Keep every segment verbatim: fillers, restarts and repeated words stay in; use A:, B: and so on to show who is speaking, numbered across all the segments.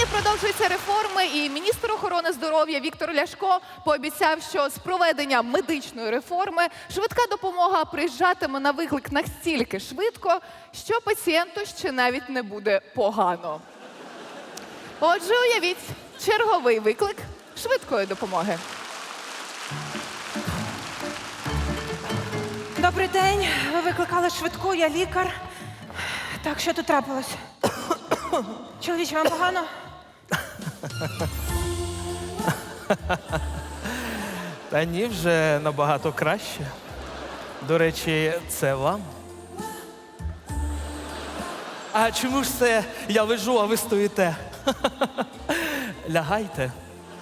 A: продовжуються реформи, і міністр охорони здоров'я Віктор Ляшко пообіцяв, що з проведення медичної реформи швидка допомога приїжджатиме на виклик настільки швидко, що пацієнту ще навіть не буде погано. Отже, уявіть, черговий виклик швидкої допомоги.
B: Добрий день. Ви викликали швидку, я лікар. Так, що тут трапилось? Чоловіче, вам погано?
C: Та ні, вже набагато краще. До речі, це вам. А чому ж це я лежу, а ви стоїте? Лягайте.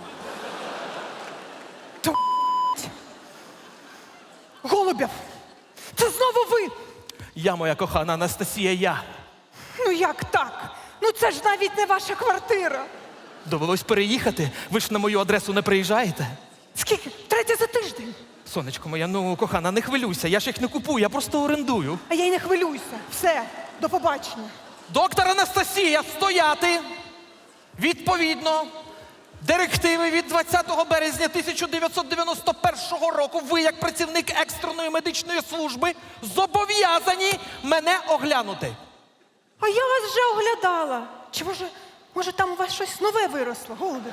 B: Голубєв! Це знову ви!
C: Я, моя кохана Анастасія, я.
B: Ну як так? Ну це ж навіть не ваша квартира.
C: Довелось переїхати. Ви ж на мою адресу не приїжджаєте.
B: Скільки? Третє за тиждень.
C: Сонечко моя, ну, кохана, не хвилюйся. Я ж їх не купую, я просто орендую.
B: А я й не хвилююся. Все, до побачення.
C: Доктор Анастасія, стояти! Відповідно, директиви від двадцятого березня тисяча дев'ятсот дев'яносто першого року ви, як працівник екстреної медичної служби, зобов'язані мене оглянути.
B: А я вас вже оглядала. Чи може, може там у вас щось нове виросло, Голубєв?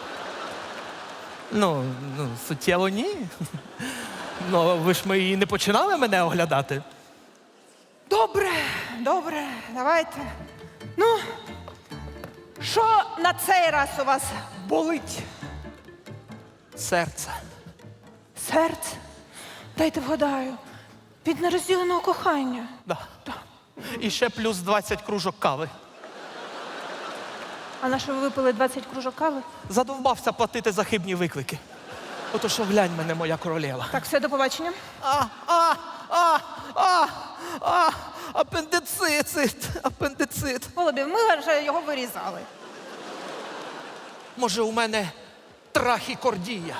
C: Ну, ну, суттєво ні. Ну, ви ж ми і не починали мене оглядати.
B: Добре, добре, давайте. Ну, що на цей раз у вас болить?
C: Серце.
B: Серце? Дайте вгадаю. Від нерозділеного кохання.
C: Да. І ще плюс двадцять кружок кави.
B: А на що ви випили двадцять кружок кави?
C: Задовбався платити за хибні виклики. Отож оглянь мене, моя королева.
B: Так, все, до побачення.
C: А, а, а, а, а, апендицит, апендицит.
B: Голубів, ми вже його вирізали.
C: Може, у мене трахікордія?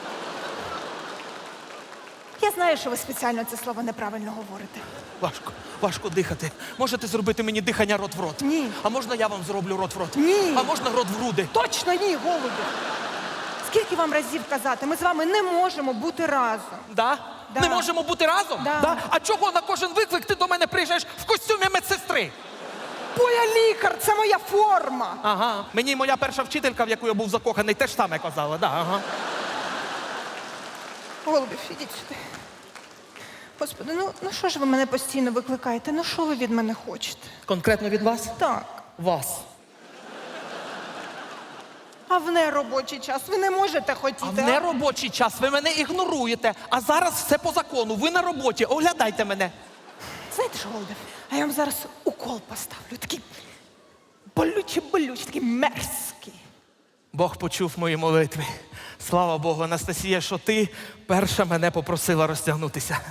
B: Я знаю, що ви спеціально це слово неправильно говорите.
C: Важко, важко дихати. Можете зробити мені дихання рот в рот?
B: Ні.
C: А можна я вам зроблю рот в рот?
B: Ні.
C: А можна рот в груди?
B: Точно ні, Голубів. Скільки вам разів казати? Ми з вами не можемо бути разом.
C: Да?
B: Да.
C: Не можемо бути разом?
B: Да.
C: А чого на кожен виклик ти до мене приїжджаєш в костюмі медсестри?
B: Бо я лікар, це моя форма.
C: Ага. Мені моя перша вчителька, в яку я був закоханий, теж саме казала. Да, ага.
B: Голубів, ідіть сюди. Господи, ну, ну що ж ви мене постійно викликаєте? Ну що ви від мене хочете?
C: Конкретно від вас?
B: Так.
C: Вас.
B: А в неробочий час ви не можете хотіти.
C: А в неробочий час ви мене ігноруєте. А зараз все по закону. Ви на роботі. Оглядайте мене.
B: Знаєте що, Голубів, а я вам зараз укол поставлю. Такий болючий-болючий, такий мерзкий.
C: Бог почув мої молитви. Слава Богу, Анастасія, що ти перша мене попросила розтягнутися.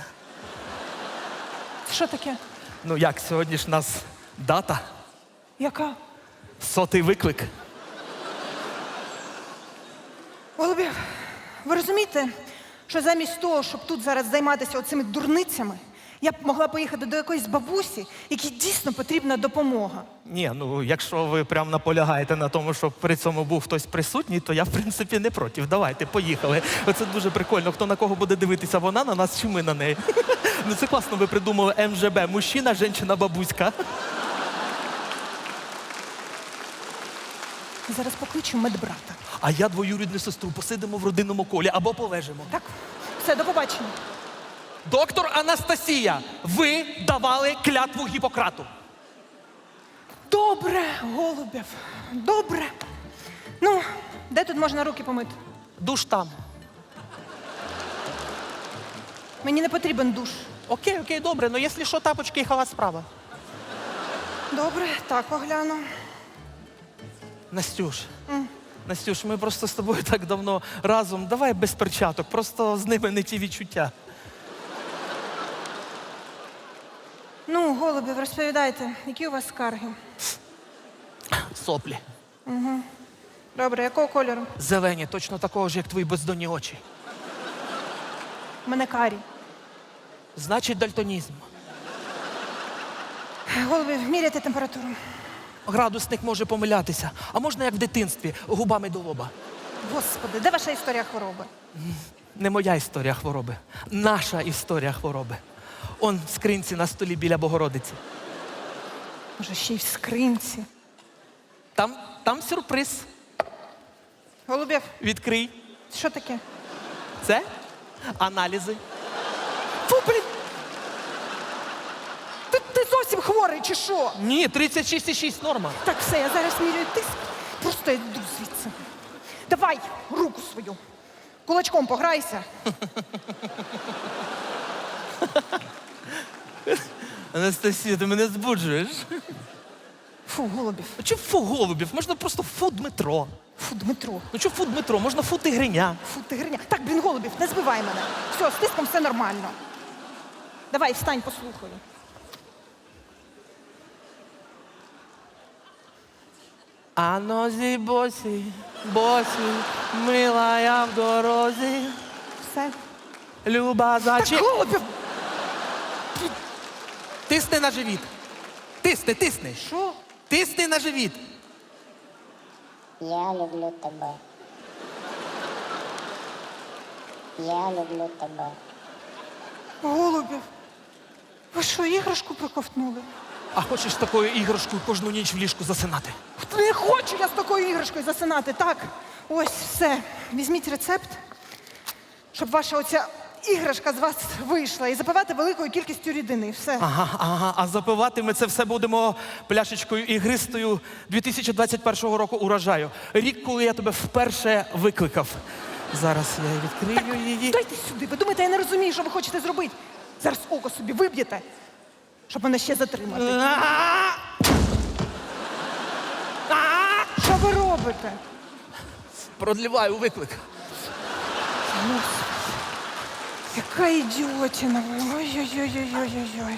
B: Що таке?
C: Ну як, сьогодні ж у нас дата,
B: Яка?
C: сотий виклик.
B: Голубів, ви розумієте, що замість того, щоб тут зараз займатися оцими дурницями, я б могла поїхати до якоїсь бабусі, якій дійсно потрібна допомога.
C: Ні, ну якщо ви прям наполягаєте на тому, щоб при цьому був хтось присутній, то я, в принципі, не проти. Давайте, поїхали. Оце дуже прикольно. Хто на кого буде дивитися, вона на нас чи ми на неї. Ну це класно, ви придумали ем же бе. Мужчина, жінка, бабуська.
B: Зараз покличу медбрата.
C: А я двоюрідну сестру, посидимо в родинному колі або полежимо.
B: Так? Все, до побачення.
C: Доктор Анастасія, ви давали клятву Гіппократу.
B: Добре, Голубів, добре. Ну, де тут можна руки помити?
C: Душ там.
B: Мені не потрібен душ.
C: Окей, окей, добре, ну якщо що, тапочки і халат справа.
B: Добре, так огляну.
C: Настюш, Настюш, ми просто з тобою так давно разом. Давай без перчаток, просто з ними не ті відчуття.
B: Ну, Голубів, розповідайте, які у вас скарги?
C: Соплі.
B: Добре, якого кольору?
C: Зелені, точно такого ж, як твої бездонні очі.
B: У мене карі.
C: Значить, дальтонізм.
B: Голубів, міряйте температуру.
C: Градусник може помилятися. А можна як в дитинстві, губами до лоба.
B: Господи, де ваша історія хвороби?
C: Не моя історія хвороби. Наша історія хвороби. Он в скринці на столі біля Богородиці.
B: Може, ще й в скринці.
C: Там, там сюрприз.
B: Голубєв,
C: Відкрий.
B: що таке?
C: Це аналізи.
B: Фу, блін! Ти, ти зовсім хворий чи що?
C: Ні, тридцять шість і шість норма.
B: Так, все, я зараз міряю тиск. Просто йду звідси. Давай руку свою. Кулачком пограйся.
C: Анастасія, ти мене збуджуєш.
B: Фу, Голубів.
C: А чи фу голубів? Можна просто фу Дмитро.
B: Фу, Дмитро.
C: Ну чи фу Дмитро? Можна фу Тигриня.
B: Фу, ти гриня. Так, блін, Голубів, не збивай мене. Все, з тиском все нормально. Давай, встань, послухаю.
C: А нозі босі, босі, мила я в дорозі,
B: Все.
C: люба
B: Так,
C: зачі.
B: Голубів!
C: Тисни на живіт. Тисни, тисни.
B: Що?
C: Тисни на живіт.
D: Я люблю тебе. Я люблю тебе.
B: Голубів, ви що, іграшку проковтнули?
C: А хочеш з такою іграшкою кожну ніч в ліжку засинати?
B: Не хочу я з такою іграшкою засинати. Так, ось все. Візьміть рецепт, щоб ваша оця іграшка з вас вийшла і запивати великою кількістю рідини. Все.
C: Ага, ага. А запивати ми це все будемо пляшечкою ігристою дві тисячі двадцять першого року урожаю. Рік, коли я тебе вперше викликав. Зараз я відкрию її.
B: Дайте сюди. Ви думаєте, я не розумію, що ви хочете зробити? Зараз око собі виб'єте, щоб мене ще затримати.
C: А! А!
B: Що ви робите?
C: Продліваю виклик.
B: Господи, яка ідіотіна ви. Ой-ой-ой-ой-ой-ой.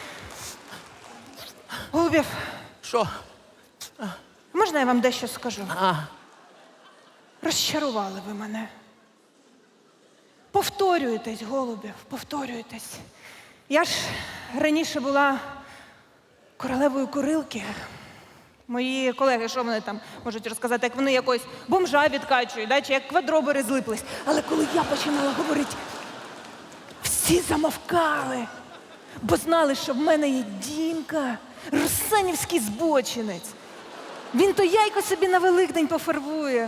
B: Голубів,
C: Що?
B: можна я вам дещо скажу?
C: А.
B: Розчарували ви мене. Повторюєтесь, Голубів, повторюєтесь. Я ж раніше була королевою курилки. Мої колеги, що вони там можуть розказати, як вони якось бомжа відкачують, да? Чи як квадробери злиплись. Але коли я починала говорити, всі замовкали, бо знали, що в мене є Дімка, русанівський збочинець. Він то яйко собі на Великдень пофарбує.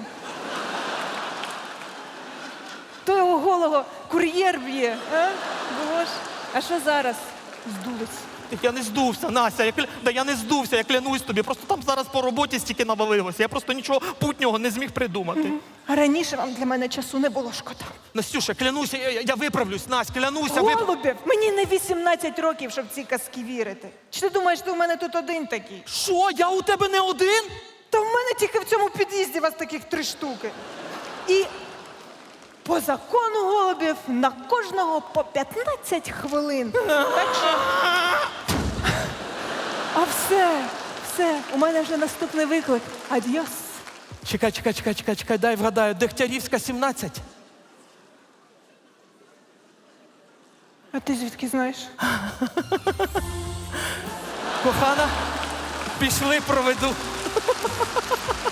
B: То його голого кур'єр б'є, а? Боже. А що зараз? Здулись.
C: Так я не здувся, Настя. Я, кля... да я не здувся, я клянусь тобі. Просто там зараз по роботі стільки навалилося. Я просто нічого путнього не зміг придумати.
B: А раніше вам для мене часу не було шкода.
C: Настюша, клянуся, я, я виправлюсь, Настя, клянуся. вип-
B: Голубів, мені не вісімнадцять років, щоб в ці казки вірити. Чи ти думаєш, ти у мене тут один такий?
C: Що? Я у тебе не один?
B: Та в мене тільки в цьому під'їзді вас таких три штуки. І по закону голубів на кожного по п'ятнадцять хвилин. Так що... А все, все, у мене вже наступний виклик. Адьос.
C: Чекай, чекай, чекай, чекай, чекай, дай вгадаю. Дегтярівська, сімнадцять.
B: А ти звідки знаєш?
C: Кохана, пішли, проведу.